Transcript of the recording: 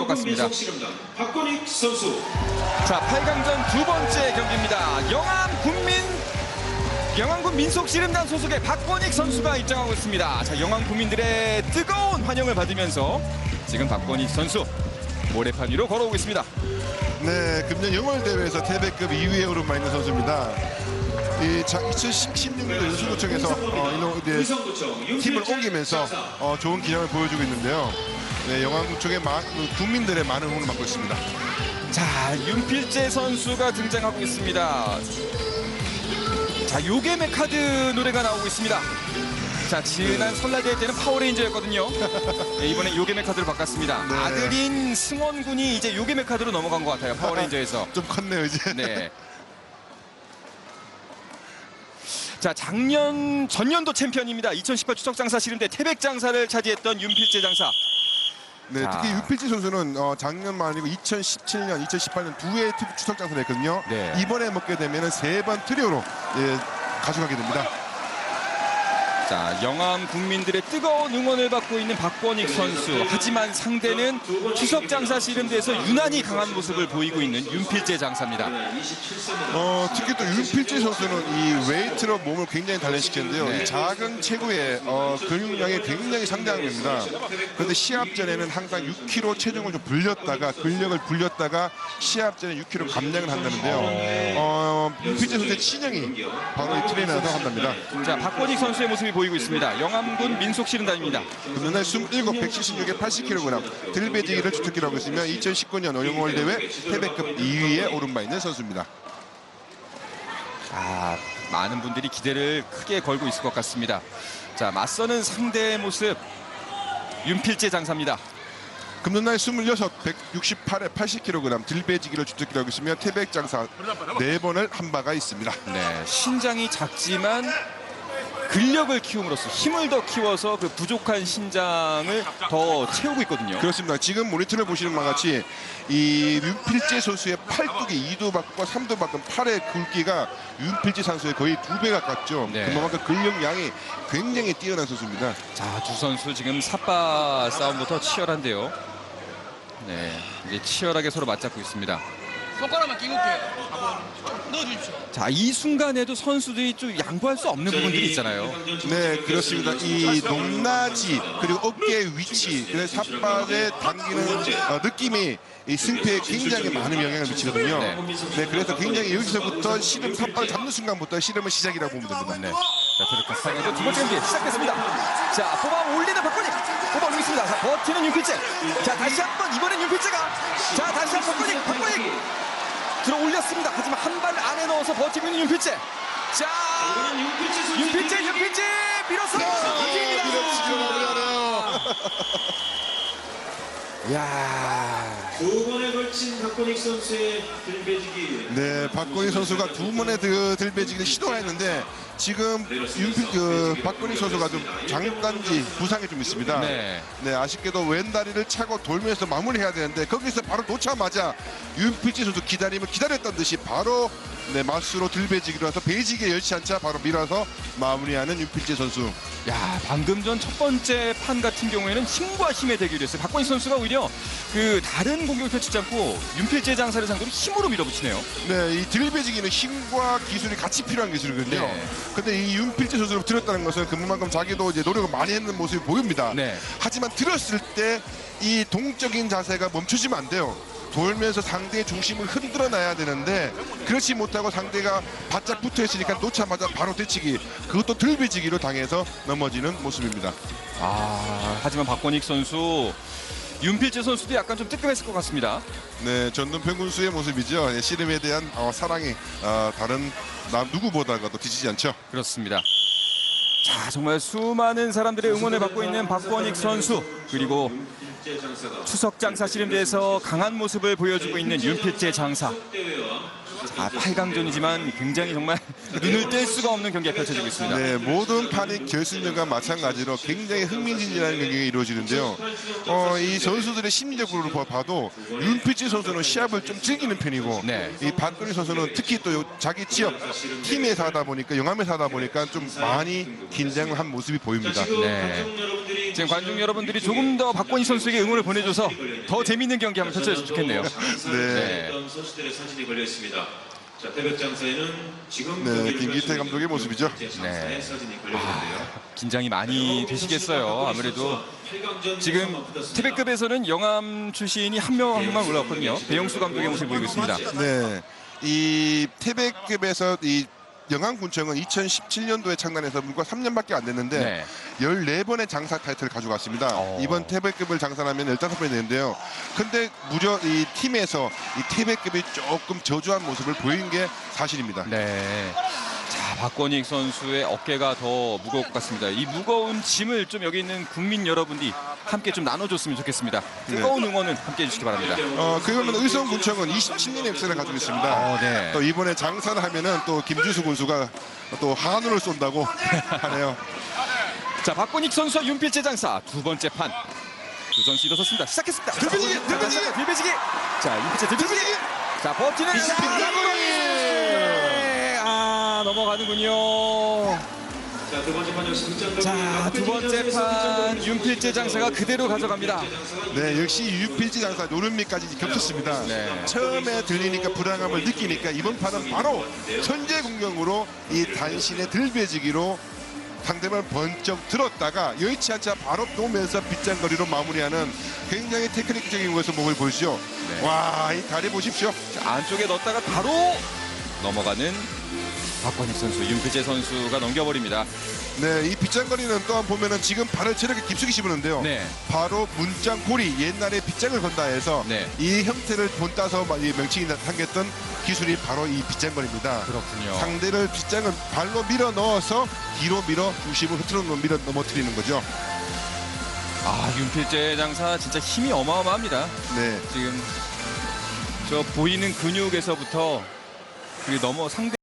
같습니다. 박권익 선수. 자, 8강전 두 번째 경기입니다. 영암군 민속씨름단 소속의 박권익 선수가 입장하고 있습니다. 자, 영암 국민들의 뜨거운 환영을 받으면서 지금 박권익 선수 모래판 위로 걸어오고 있습니다. 네, 금년 6월 대회에서 태백급 2위에 오른 바 있는 선수입니다. 이 2016년도 연수구청에서 팀을 옮기면서 좋은 기량을 보여주고 있는데요. 네, 영암구청의 국민들의 많은 응원을 받고 있습니다. 자, 윤필재 선수가 등장하고 있습니다. 자, 요괴메 카드 노래가 나오고 있습니다. 자, 지난 설날 대회 때는 파워레인저였거든요. 네, 이번에 요괴메 카드로 바꿨습니다. 네. 아들인 승원 군이 이제 요괴메 카드로 넘어간 것 같아요. 파워레인저에서. 좀 컸네요, 이제. 네. 자, 전년도 챔피언입니다. 2018 추석장사 씨름대 태백장사를 차지했던 윤필재 장사. 네, 자. 특히 윤필재 선수는 작년만 아니고 2017년, 2018년 두 해의 추석장사를 했거든요. 네. 이번에 먹게 되면 3번 트리오로 가져가게 됩니다. 자, 영암 국민들의 뜨거운 응원을 받고 있는 박권익 선수. 하지만 상대는 추석장사 씨름대에서 유난히 강한 모습을 보이고 있는 윤필재 장사입니다. 특히 또 윤필재 선수는 이 웨이트로 몸을 굉장히 단련시켰는데요. 네. 이 작은 체구에 근육량이 굉장히 상당한 겁니다. 그런데 시합 전에는 항상 6kg 체중을 좀 불렸다가 근력을 불렸다가 시합 전에 6kg 감량을 한다는데요. 윤필재 선수의 친형이 바로 이 트레이너라고 한답니다. 자, 박권익 선수의 모습이 보이고 있습니다. 영암군 민속씨름단입니다. 금년에 27, 176에 80kg 들배지기를 주특기로 하고 있으며 2019년 올림픽 대회 태백급 2위에 오른 바 있는 선수입니다. 자, 많은 분들이 기대를 크게 걸고 있을 것 같습니다. 자, 맞서는 상대의 모습 윤필재 장사입니다. 금년날 26, 168에 80kg 들배지기를 주특기로 하고 있으며 태백장사 4번을 한 바가 있습니다. 네, 신장이 작지만 근력을 키움으로써 힘을 더 키워서 그 부족한 신장을 더 채우고 있거든요. 그렇습니다. 지금 모니터를 보시는 바와 같이 이 윤필재 선수의 팔뚝이 2도 바꾸고 3도 바꾼 팔의 굵기가 윤필재 선수의 거의 2배 가깝죠. 네. 그만큼 근력량이 굉장히 뛰어난 선수입니다. 자, 두 선수 지금 삿바 싸움부터 치열한데요. 네, 이제 치열하게 서로 맞잡고 있습니다. 손가락만 끼고 올게요. 넣어주십시오. 자, 이 순간에도 선수들이 좀 양보할 수 없는 부분들이 있잖아요. 네, 그렇습니다. 이 높낮이 그리고 어깨 위치 그래서 삿발에 당기는 느낌이 이 승패에 굉장히 많은 영향을 미치거든요. 네, 그래서 굉장히 여기서부터 씨름 삿발을 잡는 순간부터 씨름의 시작이라고 보면 됩니다. 네. 자, 그렇게 상에서 두 번째 경기 시작됐습니다. 자, 뽑아 올리는 박권익. 뽑아 올리고 있습니다. 자, 버티는 윤필재. 자, 다시 한번 이번엔 윤필재가. 자, 다시 한번 박권익. 들어 올렸습니다. 하지만 한 발 안에 넣어서 버티고 있는 윤필재. 자, 윤필재 밀어서 버팁니다. 밀어치기로 마무리하네요. 야, 두 번에 걸친 박권익 선수의 들배지기. 네, 박건희 선수가 두 번의 들배지기를 시도했는데 지금 박건희 선수가 좀 장단지 부상이 좀 있습니다. 네. 네, 아쉽게도 왼다리를 차고 돌면서 마무리해야 되는데 거기서 바로 놓자마자 윤필재 선수 기다렸던 듯이 바로 네, 맞수로 들배지기로 해서 배지기에 열지 않자 바로 밀어서 마무리하는 윤필재 선수. 야, 방금 전 첫 번째 판 같은 경우에는 힘과 힘의 대결이었어요. 박권익 선수가 오히려 그 다른 공격을 펼치지 않고 윤필재 장사를 상대로 힘으로 밀어붙이네요. 네, 이 들배지기는 힘과 기술이 같이 필요한 기술이거든요. 네. 근데 이 윤필재 선수를 들었다는 것은 그만큼 자기도 이제 노력을 많이 했는 모습이 보입니다. 네. 하지만 들었을 때 이 동적인 자세가 멈추지면 안 돼요. 돌면서 상대의 중심을 흔들어 놔야 되는데 그렇지 못하고 상대가 바짝 붙어 있으니까 놓자마자 바로 대치기, 그것도 들배지기로 당해서 넘어지는 모습입니다. 아, 하지만 박권익 선수, 윤필재 선수도 약간 좀 뜨끔했을 것 같습니다. 네, 전동평군수의 모습이죠. 예, 씨름에 대한 사랑이 다른 누구보다도 뒤지지 않죠. 그렇습니다. 자, 정말 수많은 사람들의 응원을 받고 있는 박권익 선수, 그리고 추석장사 씨름대에서 강한 모습을 보여주고 있는 윤필재 장사. 자, 8강전이지만 굉장히 정말 눈을 뗄 수가 없는 경기가 펼쳐지고 있습니다. 네, 모든 판이 결승전과 마찬가지로 굉장히 흥미진진한 경기가 이루어지는데요. 이 선수들의 심리적으로 봐도 윤필재 선수는 시합을 좀 즐기는 편이고 네. 이 박근희 선수는 특히 또 자기 지역 팀에서 하다 보니까 영암에서 하다 보니까 좀 많이 긴장을 한 모습이 보입니다. 네. 지금 관중 여러분들이 조금 더 박건희 선수에게 응원을 보내줘서 더 재밌는 경기 한번 펼쳐줬으면 좋겠네요. 네. 어떤 선수들의 사진이 걸려 있습니다. 자, 태백장사에는 지금 네, 김기태 감독의 모습이죠. 네. 사진이 걸려 있는데요. 긴장이 많이 되시겠어요. 아무래도 지금 태백급에서는 영암 출신이 한 명만 올라왔거든요. 배영수 감독의 모습을 보이고 있습니다. 네, 이 태백급에서 이 영암군청은 2017년도에 창단해서 불과 3년밖에 안 됐는데 네. 14번의 장사 타이틀을 가져갔습니다. 이번 태백급을 장사하면 15번이 되는데요. 근데 무려 이 팀에서 이 태백급이 조금 저조한 모습을 보인 게 사실입니다. 네. 자, 박건익 선수의 어깨가 더 무거울 것 같습니다. 이 무거운 짐을 좀 여기 있는 국민 여러분들이 함께 좀 나눠줬으면 좋겠습니다. 뜨거운 응원을 함께 해주시기 바랍니다. 그러면 의성군청은 27년의 역사를 가지고 있습니다. 네. 또 이번에 장사를 하면은 또 김주수 군수가 또 한우를 쏜다고 하네요. 자, 박건익 선수와 윤필재 장사 두 번째 판. 두 선수 일어섰습니다. 시작했습니다. 들배지기! 들배지기! 자, 윤필재 들배지기! 자, 버티는 넘어가는군요. 자, 두 번째 판 역시 득점 자, 두 번째 판 윤필재 장사가 그대로 가져갑니다. 네, 역시 유필지 장사 노름미까지 겹쳤습니다. 네. 처음에 들리니까 불안감을 느끼니까 이번 판은 바로 천재 공격으로 이 단신의 들배지기로 상대방을 번쩍 들었다가 여의치 않자 바로 놓으면서 빗장거리로 마무리하는 굉장히 테크닉적인 모습을 보이시죠. 네. 와, 이 다리 보십시오. 자, 안쪽에 넣었다가 바로 넘어가는 박건익 선수, 윤필재 선수가 넘겨버립니다. 네, 이 빗장거리는 또한 보면은 지금 발을 체력에 깊숙이 씹었는데요. 네. 바로 문장고리, 옛날에 빗장을 건다 해서 네. 이 형태를 본따서 이 명칭이 담겼던 기술이 바로 이 빗장거리입니다. 그렇군요. 상대를 빗장을 발로 밀어 넣어서 뒤로 밀어 중심을 흐트러 밀어 넘어뜨리는 거죠. 아, 윤필재 장사 진짜 힘이 어마어마합니다. 네. 지금 저 보이는 근육에서부터 그리고 상대